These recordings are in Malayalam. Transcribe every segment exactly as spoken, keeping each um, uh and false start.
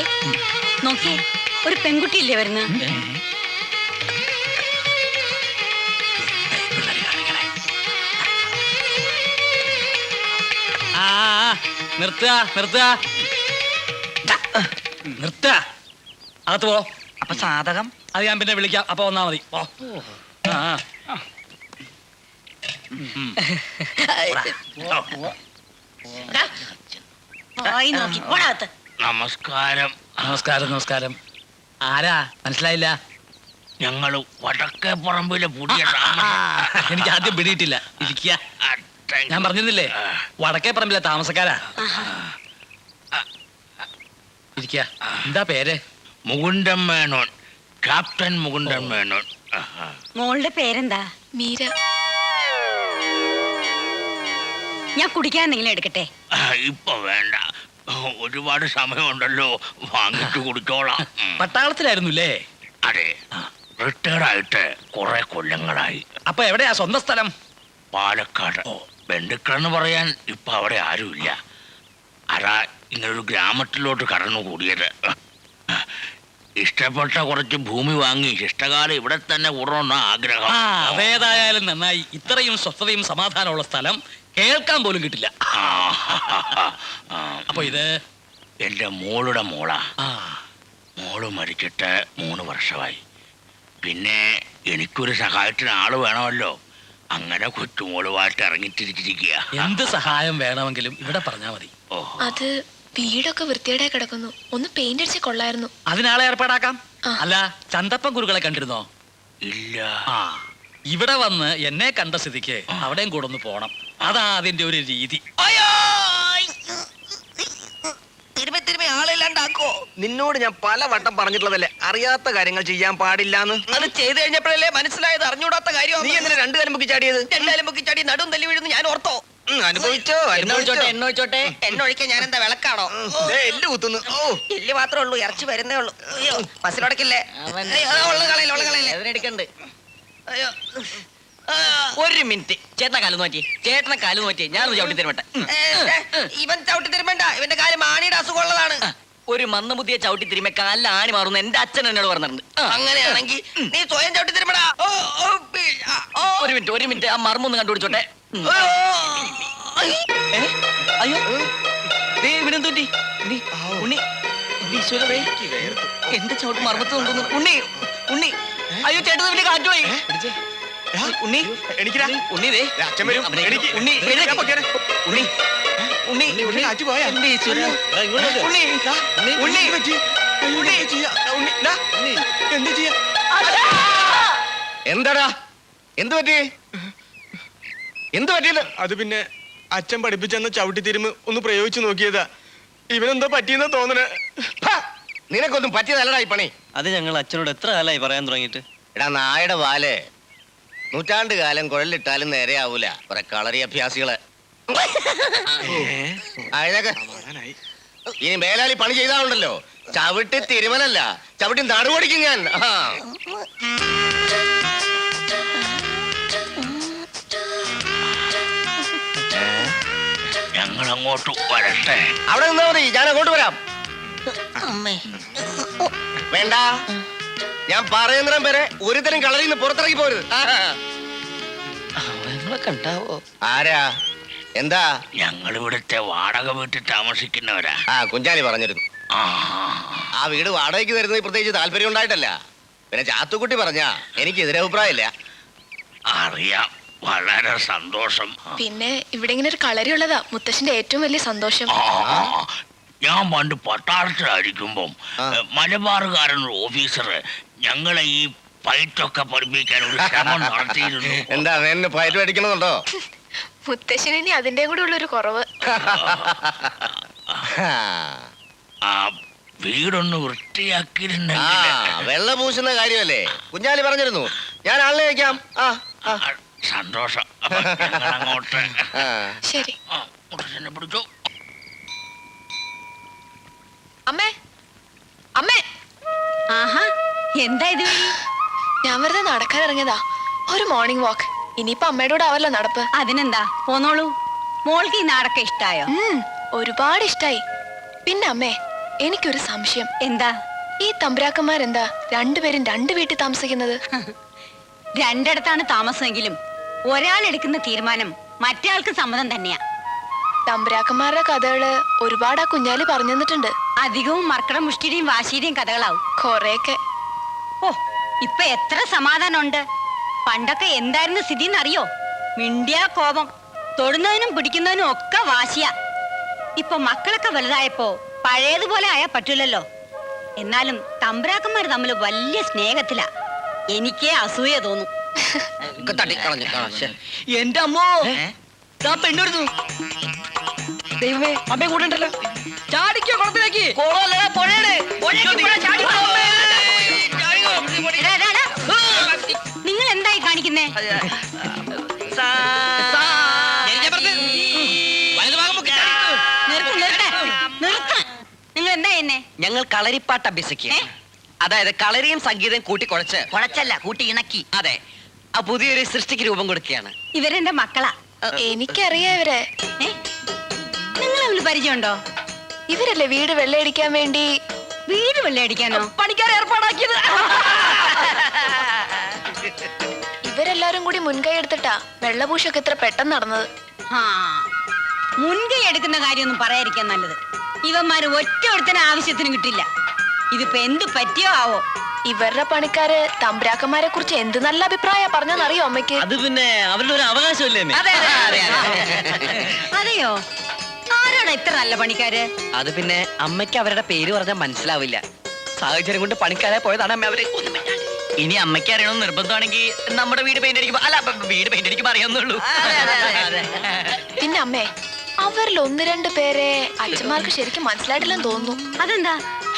നോക്കിയേ, ഒരു പെൺകുട്ടിയില്ലേ വരുന്നത്? നിർത്തുക നിർത്തുക നിർത്തുക. അകത്ത് പോ. അപ്പൊ സാധകം അത് ഞാൻ പിന്നെ വിളിക്കാം. അപ്പൊ വന്നാ മതി. പോ. നമസ്കാരം. നമസ്കാരം നമസ്കാരം. ആരാ മനസ്സിലായില്ല? ഞങ്ങള് വടക്കേ പറമ്പിലെ പുതിയ എനിക്ക് ആദ്യം പിടിയിട്ടില്ല. ഇരിക്കുക. ഞാൻ പറഞ്ഞിരുന്നില്ലേ വടക്കേ പറമ്പിലെ താമസക്കാരാ. ഇരിക്കുക. എന്താ പേര്? മുകുന്ദൻ മേനോൻ. ക്യാപ്റ്റൻ മുകുന്ദൻ മേനോൻ. മോളുടെ പേരെന്താ? മീര. ഞാൻ കുടിക്കാൻ എന്തെങ്കിലും എടുക്കട്ടെ? ഇപ്പൊ വേണ്ട, ഒരുപാട് സമയമുണ്ടല്ലോ, വാങ്ങിച്ചു കുടിച്ചോളാം. പട്ടാളത്തിലായിരുന്നുല്ലേ? അതെ, റിട്ടയർഡായിട്ട് കുറെ കൊല്ലങ്ങളായി. അപ്പൊ എവിടെയാ സ്വന്തം സ്ഥലം? പാലക്കാട്. ബന്ധുക്കളെന്ന് പറയാൻ ഇപ്പൊ അവിടെ ആരുമില്ല. അതാ ഇങ്ങനൊരു ഗ്രാമത്തിലോട്ട് കടന്നുകൂടിയത്. ഇഷ്ടപ്പെട്ട കുറച്ച് ഭൂമി വാങ്ങി ഇഷ്ടകാലം ഇവിടെ തന്നെ കൂടണമെന്ന ആഗ്രഹം. അതേതായാലും നന്നായി. ഇത്രയും സ്വസ്ഥതയും സമാധാനമുള്ള സ്ഥലം കേൾക്കാൻ പോലും കിട്ടില്ല. അപ്പൊ ഇത് എന്റെ മോളുടെ മോളാ. മോള് മരിച്ചിട്ട് മൂന്ന് വർഷമായി. പിന്നെ എനിക്കൊരു സഹായത്തിന് ആള് വേണമല്ലോ. അങ്ങനെ കൊച്ചുമോളുമായിട്ട് ഇറങ്ങിത്തിരിച്ചിരിക്കുക. എന്ത് സഹായം വേണമെങ്കിലും ഇവിടെ പറഞ്ഞാ മതി. അത് വീടൊക്കെ വൃത്തിയേടായി കിടക്കുന്നു, ഒന്ന് പെയിന്റ് അടിച്ച് കൊള്ളായിരുന്നു. അതിനാളെ ഏർപ്പാടാക്കാം. അല്ല, ചന്തപ്പൻ ഗുരുക്കളെ കണ്ടിരുന്നോ? ഇല്ല. ആ, ഇവിടെ വന്ന് എന്നെ കണ്ട സ്ഥിതിക്ക് അവിടെയും കൂടെ ഒന്ന് പോണം. അതാ അതിന്റെ ഒരു രീതി. ആളില്ലാണ്ടാക്കോ? നിന്നോട് ഞാൻ പല വട്ടം പറഞ്ഞിട്ടുള്ളതല്ലേ അറിയാത്ത കാര്യങ്ങൾ ചെയ്യാൻ പാടില്ലാന്ന്. അത് ചെയ്ത് കഴിഞ്ഞപ്പോഴല്ലേ മനസ്സിലായത് അറിഞ്ഞൂടാത്ത കാര്യം. നീ എന്തിനാ രണ്ടു കാലം പൊക്കി ചാടിയത്? രണ്ടാലും പൊക്കി ചാടി നടും തല്ലി വീഴുന്നു ഞാൻ ഓർത്തോ. അനുഭവിച്ചോ എന്നൊഴിച്ചോട്ടെ എന്നൊഴിച്ചോട്ടെ എന്നൊഴിക്കാൻ ഞാൻ എന്താ വിളക്കാണോ? എല്ല് കുത്തുന്നു. എല്ല് മാത്രമേ ഉള്ളൂ, ഇറച്ചി വരുന്നേ ഉള്ളൂ. അയ്യോ, ബസ്സിലൊടക്കില്ലേ? എടുക്കണ്ട്. അയ്യോ, ഒരു മിനിറ്റ്, ചേട്ടനെ കാല് നോറ്റി, ചേട്ടനെ കാല് നോറ്റി, ഞാൻ ചവിട്ടി തരുമട്ടെ. ഇവൻ ചവിട്ടി തിരുമ്പണ്ട, ഇവന്റെ കാര്യം മാണിയുടെ അസുഖമുള്ളതാണ്. ഒരു മന്ദബുദ്ധിയെ ചവിട്ടി തിരുമ്പ കാലിൽ ആണി മാറുന്നു എന്റെ അച്ഛൻ എന്നോട് പറഞ്ഞിട്ടുണ്ട്. അങ്ങനെയാണെങ്കിൽ നീ സ്വയം ചവിട്ടി തിരുമ്പടാ. ഒരു മിനിറ്റ് ഒരു മിനിറ്റ് ആ മർമ്മൊന്ന് കണ്ടുപിടിച്ചോട്ടെ. അയ്യോ ഇവിടെ തൂറ്റി ഉണ്ണി. എന്റെ ചവിട്ട് മർമ്മത്ത് കൊണ്ടുവന്നു. ഉണ്ണി ഉണ്ണി അയ്യോ ചേട്ടൻ വലിയ കാറ്റ് പോയി. ഉണ്ണി എണീക്കടാ. ഉണ്ണി ദേ അച്ഛൻ വരും. ഉണ്ണി എണീക്ക്. ഉണ്ണി ഉണ്ണി ഉണ്ണി ഉണ്ണി കാറ്റ് പോയാ? എന്റെ ഈശ്വരാ. ഉണ്ണി ഉണ്ണി എന്ത് ചെയ്യാ? എന്താടാ എന്ത് പറ്റി? എന്ത് പറ്റിയത്? അത് പിന്നെ അച്ഛൻ പഠിപ്പിച്ചെന്ന ചവിട്ടി തിരുമ്പ് ഒന്ന് പ്രയോഗിച്ചു നോക്കിയതാ. ഇവനെന്തോ പറ്റിയെന്നാ തോന്നണേ. നിനക്കൊന്നും പറ്റിയതല്ലടാ ഈ പണി. അത് ഞങ്ങൾ അച്ഛനോട് എത്ര കാലമായി പറയാൻ തുടങ്ങിയിട്ട്. എടാ നായുടെ വാല് നൂറ്റാണ്ട് കാലം കുഴലിട്ടാലും നേരെയാവൂല. കുറെ കളറി അഭ്യാസികള്. ഇനി മേലാലി പണി ചെയ്താലുണ്ടല്ലോ ചവിട്ടി തിരുമലല്ല, ചവിട്ടി നടുപൊടിക്കും ഞാൻ. ഞങ്ങൾ അങ്ങോട്ട് വരട്ടെ? അവിടെ നിന്നാ മതി, ഞാൻ അങ്ങോട്ട് വരാം. വേണ്ട, ഞാൻ പറയുന്നിടം വരെ ഒരുതരം കളറിൽ നിന്ന് പുറത്തിറങ്ങി പോരുത്. കണ്ടാവോ? ആരാ? എന്താ? ഞങ്ങൾ ഇവിടുത്തെ വാടക വീട്ടിൽ താമസിക്കുന്നവരാ. ആ കുഞ്ചാലി പറഞ്ഞിരുന്നു. ആ വീട് വാടകയ്ക്ക് തരുന്നത് പ്രത്യേകിച്ച് താല്പര്യം ഉണ്ടായിട്ടല്ല. പിന്നെ ചാത്തുക്കുട്ടി പറഞ്ഞാ എനിക്ക് എതിരഭിപ്രായമില്ല. അറിയാം, വളരെ സന്തോഷം. പിന്നെ ഇവിടെ ഇങ്ങനെ ഒരു കളരി ഉള്ളതാ മുത്തശ്ശന്റെ ഏറ്റവും വലിയ സന്തോഷം. ഞാൻ പണ്ട് പട്ടാളത്തിലായിരിക്കുമ്പം മലബാറുകാരൻ ഓഫീസർ ഞങ്ങളെ ഈ ഫൈറ്റൊക്കെ പഠിപ്പിക്കാൻ ഒരു ശ്രമം നടത്തിയിരുന്നു. എന്താ എന്നെ ഫൈറ്റ് പഠിക്കണമെന്നുണ്ടോ? മുത്തശ്ശന് ഇനി അതിന്റെ കൂടെ ഉള്ളൊരു കുറവ്. ആ വീടൊന്ന് വൃത്തിയാക്കിയിരുന്നെങ്കിൽ. വെള്ള പൂശുന്ന കാര്യമല്ലേ കുഞ്ഞാലി പറഞ്ഞിരുന്നു. ഞാൻ ആളിനെ വയ്ക്കാം. ആ സന്തോഷം. അങ്ങോട്ട് ശരി. മുത്തശ്ശനെ പിടിച്ചോ. അമ്മേ അമ്മേ. ആഹാ, എന്താ ഇത്? ഞാൻ വെറുതെ നടക്കാൻ ഇറങ്ങിയതാ, ഒരു മോർണിംഗ് വാക്ക്. ഇനിയിപ്പോ അമ്മയുടെ കൂടെ ആവല്ലോ നടപ്പ്. അതിനെന്താ, പോന്നോളൂ. മോൾക്ക് ഈ നാടൊക്കെ ഇഷ്ടായോ? ഒരുപാട് ഇഷ്ടായി. പിന്നെ അമ്മേ, എനിക്കൊരു സംശയം. എന്താ? ഈ തമ്പുരാക്കന്മാരെന്താ രണ്ടുപേരും രണ്ട് വീട്ടിൽ താമസിക്കുന്നത്? രണ്ടിടത്താണ് താമസമെങ്കിലും ഒരാൾ എടുക്കുന്ന തീരുമാനം മറ്റേയാൾക്ക് സമ്മതം തന്നെയാ. തമ്പുരാക്കന്മാരുടെ കഥകള് ഒരുപാട് ആ കുഞ്ഞാലി പറഞ്ഞു തന്നിട്ടുണ്ട്. അധികവും മർക്കട മുഷ്ടിയുടെയും വാശിയുടെയും കഥകളാവും. കൊറേയൊക്കെ. ഓ, ഇപ്പൊ എത്ര സമാധാനമുണ്ട്. പണ്ടൊക്കെ എന്തായിരുന്നു സ്ഥിതി എന്നറിയോ? മിണ്ടിയാ കോപം, തൊടുന്നതിനും പിടിക്കുന്നതിനും ഒക്കെ വാശിയ. ഇപ്പൊ മക്കളൊക്കെ വലുതായപ്പോ പഴയതുപോലെ ആയാ പറ്റൂലല്ലോ. എന്നാലും തമ്പുരാക്കന്മാർ തമ്മിൽ വലിയ സ്നേഹത്തിലാ. എനിക്കേ അസൂയ തോന്നും. തട്ടിക്കളഞ്ഞു ശ്ശെ. എന്റെ അമ്മോ ദാ പെണ്ണുരുന്നു. ദൈവമേ, അമ്മയെ കൂടെ ഉണ്ടല്ലോ. ചാടിക്കോ കുളത്തിലേക്ക്. എടാ, എടാ, എടാ. നിങ്ങൾ എന്തായി കാണിക്കുന്നേ? നിർത്ത്, നിർത്ത്, നിർത്ത്. നിങ്ങൾ എന്താ എന്നെ? ഞങ്ങൾ കളരിപ്പാട്ട് അഭ്യസിക്കുക. ഏ? അതായത് കളരിയും സംഗീതം കൂട്ടിക്കുഴച്ച് കുഴച്ചല്ല കൂട്ടി ഇണക്കി. അതെ ആ പുതിയൊരു സൃഷ്ടിക്ക് രൂപം കൊടുക്കുകയാണ്. ഇവരെന്റെ മക്കളാ. എനിക്കറിയാം ഇവരെ. ഏ? നിങ്ങൾ തമ്മിൽ പരിചയമുണ്ടോ? ഇവരല്ലേ വീട് വെള്ളയടിക്കാൻ വേണ്ടി വീട് വെള്ളയടിക്കാനോ? പണിക്കാരെ ഏർപ്പാടാക്കിയത്. ഇവരെല്ലാരും കൂടി മുൻകൈ എടുത്തിട്ടാ വെള്ളപൂശൊക്കെ ഇത്ര പെട്ടെന്ന് നടന്നത്. ആ, മുൻകൈ എടുക്കുന്ന കാര്യമൊന്നും പറയാതിരിക്കാൻ നല്ലത്. ഇവന്മാര് ഒറ്റ ഒരുത്തന ആവശ്യത്തിന് കിട്ടില്ല. ഇതിപ്പോ എന്ത് പറ്റിയോ ആവോ. ഇവരുടെ പണിക്കാര് തമ്പുരാക്കന്മാരെ കുറിച്ച് എന്ത് നല്ല അഭിപ്രായം പറഞ്ഞെന്നറിയോ അമ്മയ്ക്ക്? അത് പിന്നെ അവരുടെ ഒരു അവകാശമല്ലേ അമ്മേ? അതെ, അതെ, അതെ. അതെയോ? ആരോടാ ഇത്ര നല്ല പണിക്കാര്? അത് പിന്നെ അമ്മയ്ക്ക് അവരുടെ പേര് പറഞ്ഞാൽ മനസ്സിലാവില്ല. സാഹചര്യം കൊണ്ട് പണിക്കാരെ പോയതാണ് അമ്മ. അവര് ഒന്നും മിണ്ടാണ്ട്. ഇനി അമ്മയ്ക്ക് അറിയണമെന്ന് നിർബന്ധമാണെങ്കിൽ നമ്മുടെ വീട് പെയിന്റ് അടിക്കുമ്പോ അല്ല ബ- വീട് പെയിന്റ് അടിക്കുമ്പോ അറിയാവുന്നുള്ളൂ. പിന്നെ അമ്മേ, അവരിൽ ഒന്ന് രണ്ട് പേരെ അച്ഛന്മാർക്ക് ശരിക്കും മനസ്സിലായിട്ടില്ലെന്ന് തോന്നുന്നു. അതെന്താ?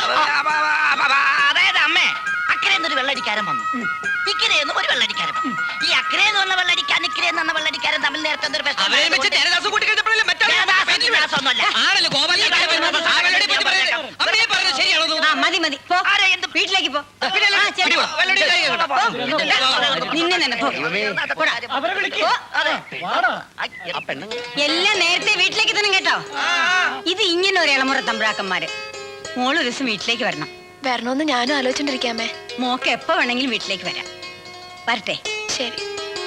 അതായത് അമ്മേ, അക്കരെ എന്നൊരു വെള്ളടിക്കാരൻ വന്നു, ഇക്കരെ എന്ന് ഒരു വെള്ളടിക്കാരൻ വന്നു. ഈ അക്കരെ എന്ന് പറഞ്ഞ വെള്ളടിക്കാൻ ഇക്കരെ എന്ന് പറഞ്ഞ വെള്ളടിക്കാരൻ തമ്മിൽ നേരത്തെ എന്തൊരു പ്രശ്നം അവരെ വെച്ച് ഉണ്ടായതുകൊണ്ട് ദേവദാസ് കൂട്ടിക്കഴിഞ്ഞപ്പോഴല്ലേ മറ്റേ ദേവദാസ് ഗീവദാസൊന്നുമല്ല. ആണല്ലോ ഗോപാലൻ അമ്മയെ പറഞ്ഞത് ശരിയാണോ? ആ, മതി മതി, പോ. ആരാ എന്ത് വീട്ടിലേക്ക് പോ. ആ, ചെല്ലു. പോ. നിന്നെ തന്നെ പോ. പോടാ. പോ. ആ പെണ്ണുങ്ങൾ എല്ലാം നേരത്തെ വീട്ടിലേക്ക് തന്നെ കേട്ടോ. ഇത് ഇങ്ങനെ ഒരു ഇളമുറ തമ്പ്രാക്കന്മാര്. മോളൊരു ദിവസം വീട്ടിലേക്ക് വരണം. വരണോന്ന് ഞാനും ആലോചിച്ചോണ്ടിരിക്കാമേ. മോക്ക് എപ്പോ വേണമെങ്കിലും വീട്ടിലേക്ക് വരാം. വരട്ടെ? ശരി.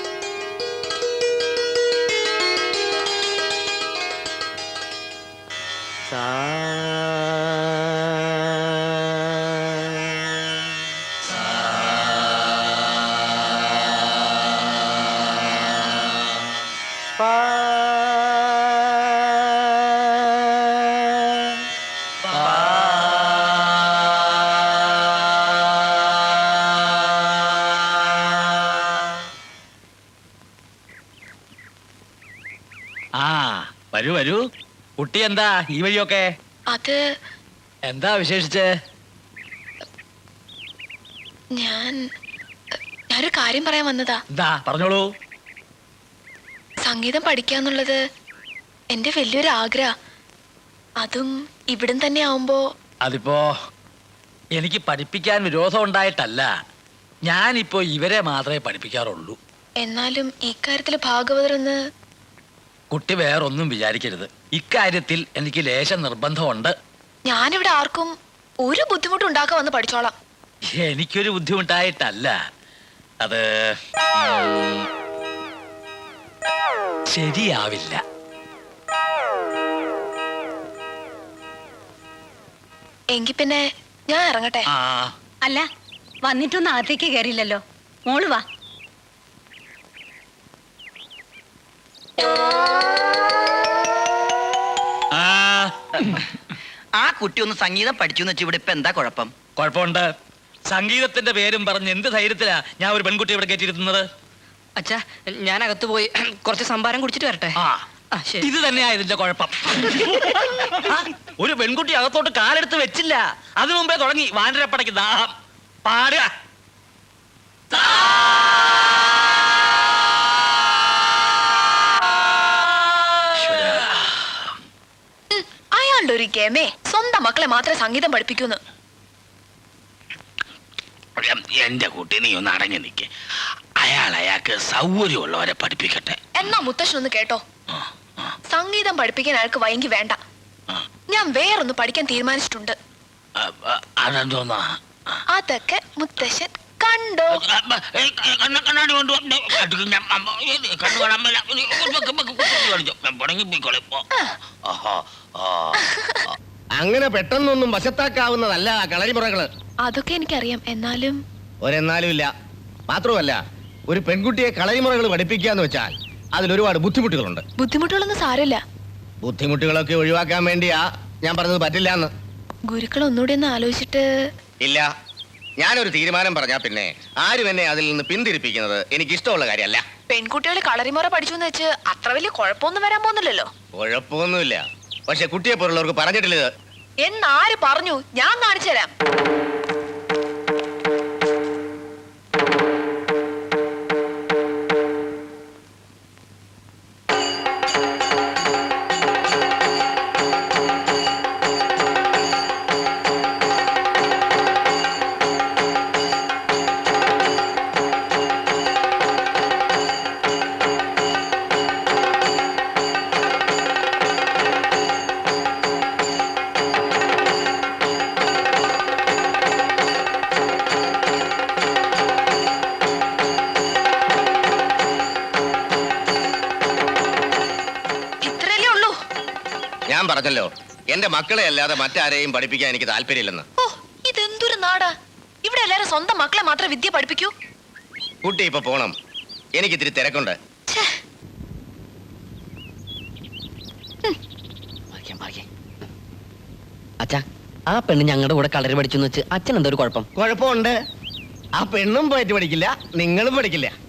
ആ, വരൂ വരൂ. കുട്ടി എന്താ ഈ വഴിയൊക്കെ? അത് എന്താ വിശേഷിച്ച്? ഞാൻ ഞാനൊരു കാര്യം പറയാൻ വന്നതാ. എന്താ പറഞ്ഞോളൂ. സംഗീതം പഠിക്കാന്നുള്ളത് എന്റെ വലിയൊരു ആഗ്രഹ. അതും ഇവിടം തന്നെ ആവുമ്പോ. അതിപ്പോ എനിക്ക് പഠിപ്പിക്കാൻ വിരോധം ഉണ്ടായിട്ടല്ല. ഞാനിപ്പോ ഇവരെ മാത്രമേ പഠിപ്പിക്കാറുള്ളൂ. എന്നാലും ഇക്കാര്യത്തില് ഭാഗവതരെന്ന്. കുട്ടി വേറൊന്നും വിചാരിക്കരുത്. ഇക്കാര്യത്തിൽ എനിക്ക് ലേശം നിർബന്ധമുണ്ട്. ഞാനിവിടെ ആർക്കും ഒരു ബുദ്ധിമുട്ടും ഉണ്ടാക്കാൻ വന്ന് പഠിച്ചോളാം. എനിക്കൊരു ബുദ്ധിമുട്ടായിട്ടല്ല. അത് ഉം, ശരിയാവില്ല. എങ്കി പിന്നെ ഞാൻ ഇറങ്ങട്ടെ. ആ, അല്ല, വന്നിട്ടൊന്നും അകത്തേക്ക് കയറിയില്ലല്ലോ. മോള് വാ. ആ, ആ കുട്ടി ഒന്ന് സംഗീതം പഠിച്ചു എന്ന് വെച്ചാൽ ഇവിടെ ഇപ്പൊ എന്താ കുഴപ്പം? കുഴപ്പമുണ്ട്. സംഗീതത്തിന്റെ പേരും പറഞ്ഞ് എന്ത് ധൈര്യത്തിലാ ഞാൻ ഒരു പെൺകുട്ടി ഇവിടെ കയറ്റിയിരുന്നത്? അച്ഛാ ഞാൻ അകത്ത് പോയി കുറച്ച് സംഭാരം കുടിച്ചിട്ട് വരട്ടെ. ആ, ഇത് തന്നെയാ ഇതിന്റെ കുഴപ്പം. ആ, ഒരു പെൺകുട്ടി അകത്തോട്ട് കാലെടുത്ത് വെച്ചില്ല. അതിനു മുമ്പേ തുടങ്ങി വാനരപ്പടയ്ക്ക് ദാഹം. പാടുക. അയാളുടെ ഒരു ഗമേ സ്വന്തം മക്കളെ മാത്രമേ സംഗീതം പഠിപ്പിക്കൂന്ന്. എന്റെ കുട്ടി നീ ഒന്ന് അടങ്ങി നിൽക്ക്. അയാൾ അയാൾക്ക് സൗകര്യമുള്ളവരെ പഠിപ്പിക്കട്ടെ. എന്നാ മുത്തശ്ശൻ ഒന്ന് കേട്ടോ. സംഗീതം പഠിപ്പിക്കാൻ അയാൾക്ക് വൈകി വേണ്ട. ഞാൻ വേറൊന്ന് പഠിക്കാൻ തീരുമാനിച്ചിട്ടുണ്ട്. അതെന്തോന്നാ അതൊക്കെ മുത്തശ്ശൻ കണ്ടോ. കണ്ണാടി കൊണ്ട് കണ്ണു അങ്ങനെ പെട്ടെന്നൊന്നും വശത്താക്കാവുന്നതല്ല കളരിമുറകള്. അതൊക്കെ എനിക്കറിയാം. എന്നാലും ഒരെന്നാലും ഇല്ല. മാത്രമല്ല ഒരു പെൺകുട്ടിയെ കളരിമുറകൾ പഠിപ്പിക്കാന്ന് വെച്ചാൽ അതിലൊരുപാട് ബുദ്ധിമുട്ടുകളുണ്ട്. ബുദ്ധിമുട്ടുകളൊന്നും സാരമില്ല. ബുദ്ധിമുട്ടുകളൊക്കെ ഒഴിവാക്കാൻ വേണ്ടിയാ ഞാൻ പറഞ്ഞത് പറ്റില്ല എന്ന്. ഗുരുക്കൾ ഒന്നുകൂടി ഒന്ന് ആലോചിച്ചിട്ട്. ഇല്ല, ഞാനൊരു തീരുമാനം പറഞ്ഞാ പിന്നെ ആരും എന്നെ അതിൽ നിന്ന് പിന്തിരിപ്പിക്കുന്നത് എനിക്ക് ഇഷ്ടമുള്ള കാര്യമല്ല. പെൺകുട്ടികൾ കളറിമുറ പഠിച്ചു എന്ന് വെച്ച് അത്ര വലിയ കുഴപ്പമൊന്നും വരാൻ പോകുന്നില്ലല്ലോ. കുഴപ്പമൊന്നുമില്ല. പക്ഷെ കുട്ടിയെ പോലുള്ളവർക്ക് പറഞ്ഞിട്ടില്ല ഇത്. എന്നാര് പറഞ്ഞു? ഞാൻ കാണിച്ചു തരാം. ഞാൻ പറഞ്ഞല്ലോ, എന്റെ മക്കളെ അല്ലാതെ മറ്റാരെയും പഠിപ്പിക്കാൻ എനിക്ക് താല്പര്യമില്ലെന്ന്. ഓ, ഇതെന്തൊരു നാടാ! ഇവിടെ എല്ലാരും സ്വന്തം മക്കളെ മാത്രം വിദ്യ പഠിപ്പിക്കൂ. കുട്ടി ഇപ്പൊ പോണം, എനിക്ക് ഇത്തിരി തിരക്കുണ്ട്. അച്ഛാ, ആ പെണ്ണ് ഞങ്ങളുടെ കൂടെ കളരി പഠിച്ചു വെച്ച് അച്ഛൻ എന്താ ഒരു കുഴപ്പം? കുഴപ്പമുണ്ട്. ആ പെണ്ണും പോയിട്ട് പഠിക്കില്ല, നിങ്ങളും പഠിക്കില്ല.